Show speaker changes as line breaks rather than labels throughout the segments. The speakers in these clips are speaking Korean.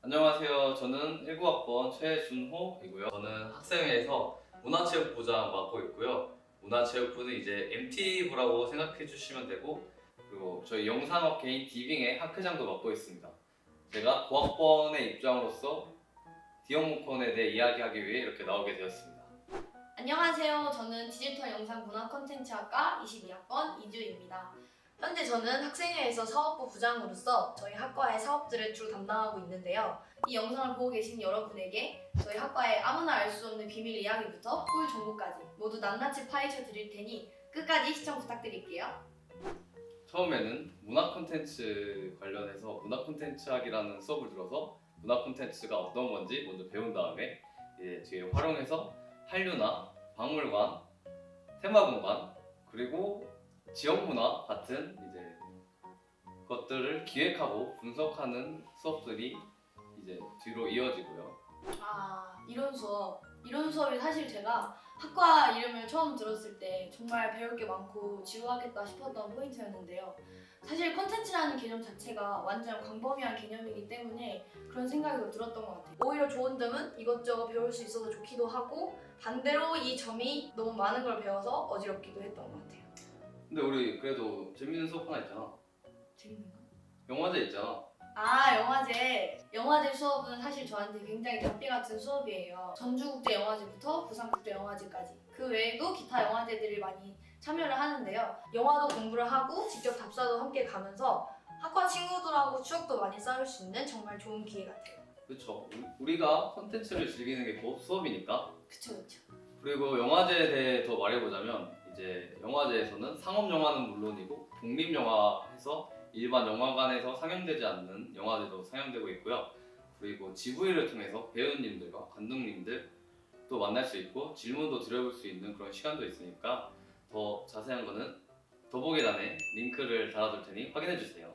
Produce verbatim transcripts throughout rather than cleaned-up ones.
안녕하세요. 저는 일구 학번 최준호이고요. 저는 학생회에서 문화체육부장 맡고 있고요. 문화체육부는 이제 엠티부라고 생각해 주시면 되고, 그리고 저희 영상업계인 디빙의 학회장도 맡고 있습니다. 제가 고학번의 입장으로서 디어모컨에 대해 이야기하기 위해 이렇게 나오게 되었습니다.
안녕하세요. 저는 디지털 영상 문화 콘텐츠학과 이십이 학번 이주입니다. 현재 저는 학생회에서 사업부 부장으로서 저희 학과의 사업들을 주로 담당하고 있는데요. 이 영상을 보고 계신 여러분에게 저희 학과의 아무나 알 수 없는 비밀 이야기부터 꿀 정보까지 모두 낱낱이 파헤쳐 드릴 테니 끝까지 시청 부탁드릴게요.
처음에는 문화 콘텐츠 관련해서 문화 콘텐츠학이라는 수업을 들어서 문화 콘텐츠가 어떤 건지 먼저 배운 다음에 이제 뒤에 활용해서 한류나 박물관, 테마공간, 그리고 지역문화 같은 이제 것들을 기획하고 분석하는 수업들이 이제 뒤로 이어지고요.
아, 이론 수업. 이론 수업이 사실 제가 학과 이름을 처음 들었을 때 정말 배울 게 많고 지루하겠다 싶었던 포인트였는데요. 사실 콘텐츠라는 개념 자체가 완전 광범위한 개념이기 때문에 그런 생각이 더 들었던 것 같아요. 오히려 좋은 점은 이것저것 배울 수 있어서 좋기도 하고 반대로 이 점이 너무 많은 걸 배워서 어지럽기도 했던 것 같아요.
근데 우리 그래도 재밌는 수업 하나 있잖아.
재밌는 거?
영화제 있잖아.
아, 영화제. 영화제 수업은 사실 저한테 굉장히 답비 같은 수업이에요. 전주국제영화제부터 부산국제영화제까지. 그 외에도 기타 영화제들을 많이 참여를 하는데요. 영화도 공부를 하고 직접 답사도 함께 가면서 학과 친구들하고 추억도 많이 쌓을 수 있는 정말 좋은 기회 같아요.
그렇죠. 우리가 콘텐츠를 즐기는 게 곧 수업이니까.
그쵸, 그쵸.
그리고 영화제에 대해 더 말해보자면 이제 영화제에서는 상업 영화는 물론이고 독립 영화에서 일반 영화관에서 상영되지 않는 영화들도 상영되고 있고요. 그리고 지브이를 통해서 배우님들과 감독님들 또 만날 수 있고 질문도 드려볼 수 있는 그런 시간도 있으니까 더 자세한 거는 더보기란에 링크를 달아둘 테니 확인해 주세요.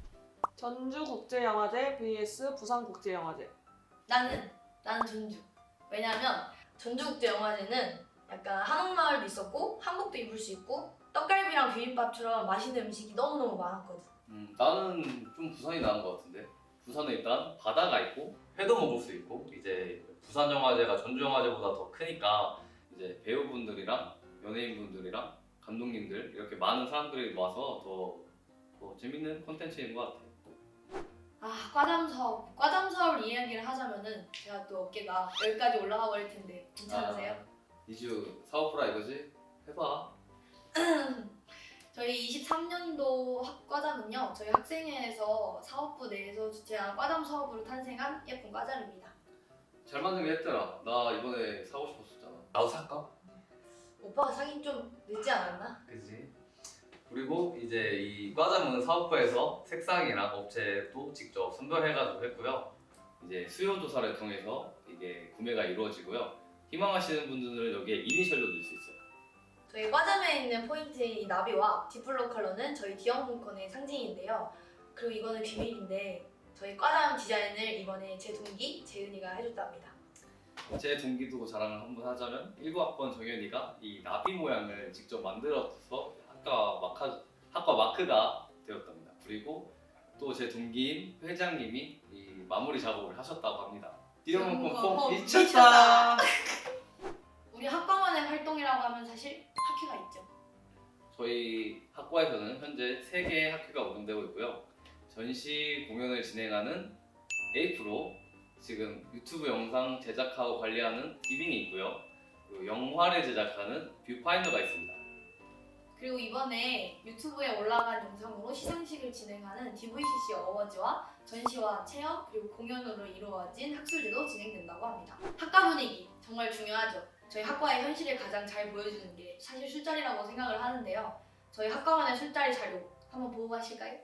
전주국제영화제 vs 부산국제영화제.
나는, 나는 전주. 왜냐면 전주국제영화제는 약간 한옥마을도 있었고 한복도 입을 수 있고 떡갈비랑 비빔밥처럼 맛있는 음식이 너무너무 많았거든.
음, 나는 좀 부산이 나은 것 같은데. 부산은 일단 바다가 있고 회도 먹을 수 있고 이제 부산 영화제가 전주 영화제보다 더 크니까 이제 배우분들이랑 연예인분들이랑 감독님들 이렇게 많은 사람들이 와서 더, 더 재밌는 콘텐츠인 것 같아요.
아, 과잠 사업. 과잠 사업을 이야기를 하자면은 제가 또 어깨가 여기까지 올라가 버릴 텐데 괜찮으세요?
아, 이주 사업부라 이거지? 해봐.
저희 이십삼 년도 학과잠은요, 저희 학생회에서 사업부 내에서 주최한 과잠 사업으로 탄생한 예쁜 과잠입니다.
잘 만들게 했더라. 나 이번에 사고 싶었었잖아. 나도 살까?
오빠가 사긴 좀 늦지 않았나?
그지? 그리고 이제 이 과잠은 사업부에서 색상이랑 업체도 직접 선별해가지고 했고요. 이제 수요 조사를 통해서 이게 구매가 이루어지고요. 희망하시는 분들은 여기에 이니셜도 넣을 수 있어요.
저희 과잠에 있는 포인트인 이 나비와 디플로 컬러는 저희 디어문건의 상징인데요. 그리고 이거는 비밀인데 저희 과잠 디자인을 이번에 제 동기 재은이가 해줬답니다.
제 동기도 자랑을 한번 하자면 일구 학번 정현이가 이 나비 모양을 직접 만들어서 학과 마카, 학과 마크가 되었답니다. 그리고 또 제 동기인 회장님이 이 마무리 작업을 하셨다고 합니다. 디어문건 폼
폼
미쳤다.
우리 학과만의 활동이라고 하면 사실 학회가 있죠.
저희 학과에서는 현재 세 개의 학회가 운영되고 있고요. 전시 공연을 진행하는 에이프로, 지금 유튜브 영상 제작하고 관리하는 디빙이 있고요. 그리고 영화를 제작하는 뷰파인더가 있습니다.
그리고 이번에 유튜브에 올라간 영상으로 시상식을 진행하는 디브이씨씨 어워즈와 전시와 체험 그리고 공연으로 이루어진 학술제도 진행된다고 합니다. 학과 분위기 정말 중요하죠. 저희 학과의 현실을 가장 잘 보여주는 게 사실 술자리라고 생각을 하는데요. 저희 학과만의 술자리 자료 한번 보고 가실까요?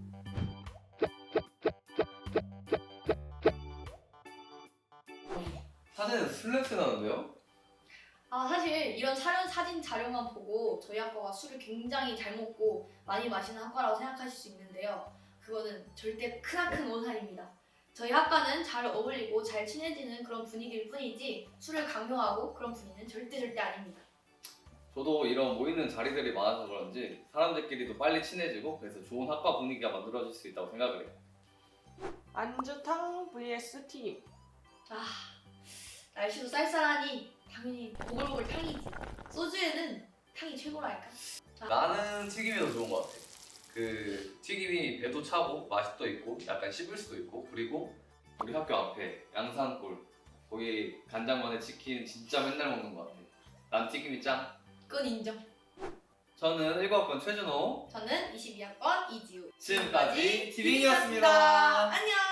사진에서 술 냄새 나는데요?
아, 사실 이런 촬영 사진 자료만 보고 저희 학과가 술을 굉장히 잘 먹고 많이 마시는 학과라고 생각하실 수 있는데요. 그거는 절대 크나큰 오산입니다. 저희 학과는 잘 어울리고 잘 친해지는 그런 분위기일 뿐이지 술을 강요하고 그런 분위기는 절대 절대 아닙니다.
저도 이런 모이는 자리들이 많아서 그런지 사람들끼리도 빨리 친해지고 그래서 좋은 학과 분위기가 만들어질 수 있다고 생각을 해요.
안주탕 vs 튀김.
아, 날씨도 쌀쌀하니 당연히 보글보글 탕이지. 소주에는 탕이 최고랄까.
나는 튀김이 더 좋은 것 같아. 그 튀김이 배도 차고 맛도 있고 약간 씹을 수도 있고 그리고 우리 학교 앞에 양산골 거기 간장만에 치킨 진짜 맨날 먹는 것 같아. 난 튀김이 짱.
그건 인정.
저는 일곱 학번 최준호.
저는 이십이 학번 이지우.
지금까지 티빙이었습니다.
안녕.